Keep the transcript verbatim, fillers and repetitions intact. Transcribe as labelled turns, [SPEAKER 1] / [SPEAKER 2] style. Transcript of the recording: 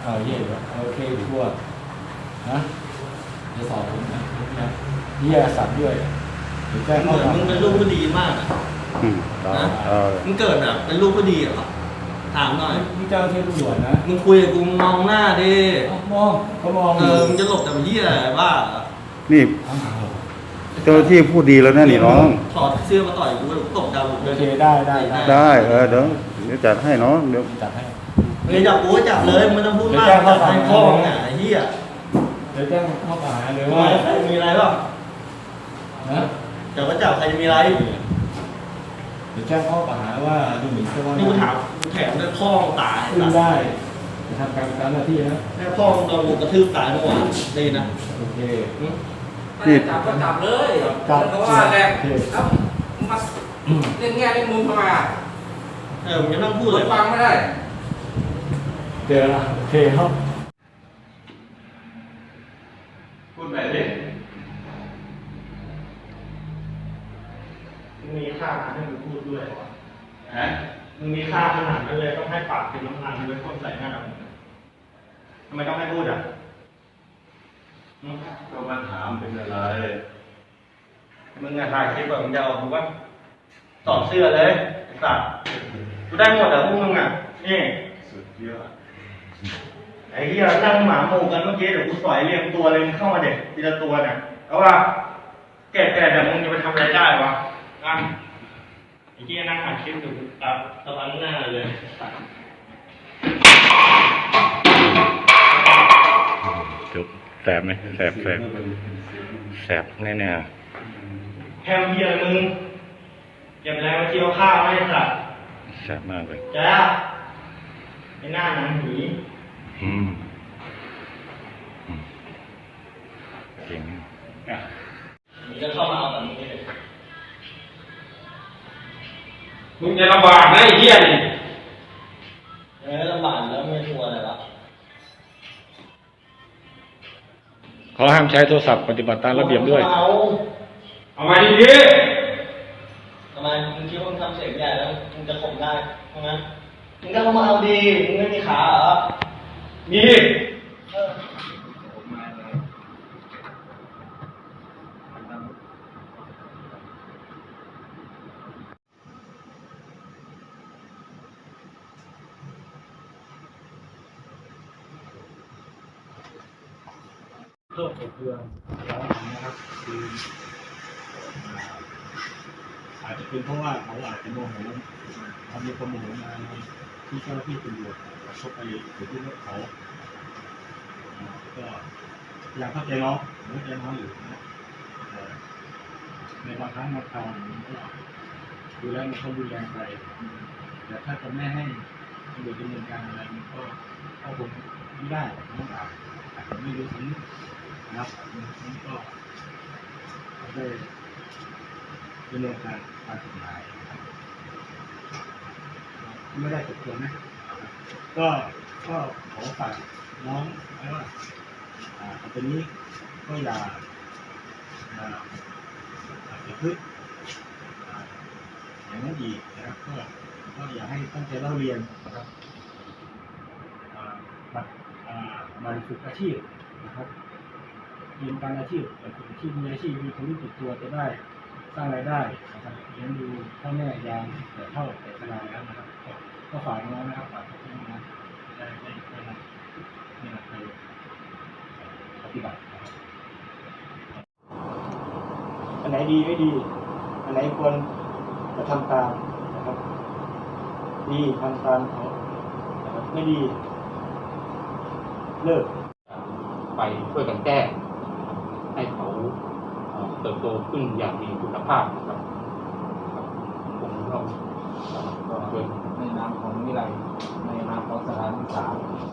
[SPEAKER 1] เอาเย่โอเคทั่วนะจะสอบผมนะนะนี่ยาสัตว์ด้วยหรือแจ้ง
[SPEAKER 2] เห
[SPEAKER 1] ข้อ
[SPEAKER 2] มือน
[SPEAKER 1] หา
[SPEAKER 2] มึงเป็นลูกผู้ดีมากอะ
[SPEAKER 3] อืมนะเออ
[SPEAKER 2] มึงเกิดแบบเป็นลูกผู้ดีเหรอถามหน่อย
[SPEAKER 1] นี่เจ้าที่ตำรวจนะ
[SPEAKER 2] มึงคุยกับกูมองหน้าดิ
[SPEAKER 1] มองเขามอง
[SPEAKER 2] เออมึงจะหลบแต่เหี้ยอะไรบ้า
[SPEAKER 3] นี่เจ้าหน้าที่พูดดีแล้วนะนี่น้อง
[SPEAKER 2] ถอดเสื้อมาต่อยกูตบดาว
[SPEAKER 1] โอเคได้ได้ได้
[SPEAKER 3] ได้เออเดี๋ยวเดี๋ยวจัดให้น้องเดี๋ยว
[SPEAKER 1] จัดให้
[SPEAKER 2] มึงจับกูก็จับเลยมึงต้องพูดมาก
[SPEAKER 1] เดี๋ยวแจ้งข้อ
[SPEAKER 2] จับ
[SPEAKER 1] หา
[SPEAKER 2] ให้พ่อมึงอ่ะไอ้เหี้ย
[SPEAKER 1] เดี๋ยวแจ้งข้อกล่าวหาหรือ
[SPEAKER 2] ทำ
[SPEAKER 1] ว่า
[SPEAKER 2] ไมใครมีอะไรบ้าง
[SPEAKER 1] นะ
[SPEAKER 2] เดี๋ยวก็จับใครจะมีอะไร
[SPEAKER 1] เดี๋ยวแจ้งข้อกล่าวหาว่าดูหมิ่นเจ้าพนัก
[SPEAKER 2] นี่กู
[SPEAKER 1] งา
[SPEAKER 2] ถาน มกูแถมด้วยพ่อมึงตาย
[SPEAKER 1] ขึ้นได้จะทำการตามหน้าที่นะ
[SPEAKER 2] แม่พ่อมึงโดนกูกระทืบตายเมื่อวานดีนะ
[SPEAKER 1] โอเค
[SPEAKER 3] นี่
[SPEAKER 4] จับก็จับเลย
[SPEAKER 1] จับ
[SPEAKER 4] เพราะว่าแหละ
[SPEAKER 1] โอเค
[SPEAKER 4] แล้วมาเล่นแง่เล่นมุมทำไมอ่ะ
[SPEAKER 2] เออมึงจะนั่งพูด
[SPEAKER 4] พูด
[SPEAKER 2] เลย
[SPEAKER 4] ฟังไม่ได้
[SPEAKER 1] เดี๋ยวนะโอเคครับ
[SPEAKER 2] พูดแบบนี้มึงมีค่าขนาดให้มึงพูดด้วยเหรอฮะมึงมีค่าขนาดนั้นเลยต้องให้ปากเป็นน้ำมันด้วยพ่นใส่หน้ามึงทำไมต้องให้พูดอ่ะ
[SPEAKER 3] ก็มาถามเป็นอะไร
[SPEAKER 2] มึงอะถ่ายคลิปแบบมึงจะเอากูว่าตอบเสื้อเลยไอ้สัตว์กูได้หมดอะพวกมึงอะนี่
[SPEAKER 3] สุดยอด
[SPEAKER 2] ไอ้เหี้ยนั่งหมาหมู่กันเมื่อกี้เดี๋ยวกูสอยเรียงตัวเลยมึงเข้ามาเด็กทีละตัวเนี่ยเอาว่าแก่ๆแต่มึงจะไปทำอะไรได้วะอ่ะไอ้เหี้ยนั่งถ่ายคลิปอยู่ตัดตะวันหน้าเลยสัตว์
[SPEAKER 3] จุกแสบไหมแสบแสบแสบแน่แน่
[SPEAKER 2] แฮมเหี้ยอะไรมึงเก็บแรงมาเที่ยวข้าวไม่สัตว์
[SPEAKER 3] ๆแสบมากเลย
[SPEAKER 2] จ้าไอ้หน้าหนังผี
[SPEAKER 3] อืมอืมเก่งอ่ะ
[SPEAKER 2] มึงจะเข้ามาเอาแบบนี้เลย
[SPEAKER 4] มึงจะลำบากนะไอ้เหี้ยนี่
[SPEAKER 2] เออลำบากแล้วไม่ชัวร์อะไรวะ
[SPEAKER 3] ขอห้ามใช้โทรศัพท์ปฏิบัติตามระเบียบด้วย
[SPEAKER 2] เอา
[SPEAKER 4] เอามาดี
[SPEAKER 2] ทำไมมึงคิดว่ามึงทำเสียงใหญ่แล้วมึงจะข่มได้ใช่ไหมมึงก็เข้ามาเอาดีมึงไม่มีขาเหรอ
[SPEAKER 4] ๆมี
[SPEAKER 2] เออ
[SPEAKER 1] โทษกับเพื่อนแล้วนะครับคืออาจจะเป็นเพราะว่าเขาอาจจะโมโหเขามีความโมโหมาที่เจ้าหน้าที่ตำรวจชกไปหรือที่รถเขาก็อยากเข้าใจน้องเข้าใจน้องอยู่นะในบางครั้งบางคราวมันก็ดูแล้วมันก็รุนแรงไปแต่ถ้าจะไม่ให้ตำรวจดำเนินการอะไรมันก็ก็คงไม่ได้ต้องอาจอาจจะไม่รู้สำนึกนะครับมันก็ได้ดำเนินการตามกฎหมายไม่ได้จบตัวนะก็ก็ขอฝากน้องไว้ว่าอ่าตอนนี้ก็อย่าอ่าอย่าพึ่งอ่าอย่างนั้นอีกนะครับก็ก็อย่าให้ตั้งใจเล่าเรียนนะครับอ่าบัตรอ่าบัตรฝึกอาชีพนะครับเรียนการอาชีพแต่ฝึกอาชีพมีอาชีพมีความรู้ติดตัวจะได้สร้างรายได้นะครับเลี้ยงดูพ่อแม่ยามแต่เท่าแต่ชราแล้วนะครับก็ก็ฝากน้องนะครับฝากพี่น้องนะได้ได้ได้รับได้รับไปปฏิบัตินะครับอันไหนดีไม่ดีอันไหนควรจะทำตามนะครับดีทำตามเขานะครับไม่ดีเลิก
[SPEAKER 5] ไปช่วยกันแก้ให้เขาเอ่อเติบโตขึ้นอย่างมีคุณภาพนะครับผมก็ก็ช่วย
[SPEAKER 4] ในนามของวิไลในนามของสถานศึกษา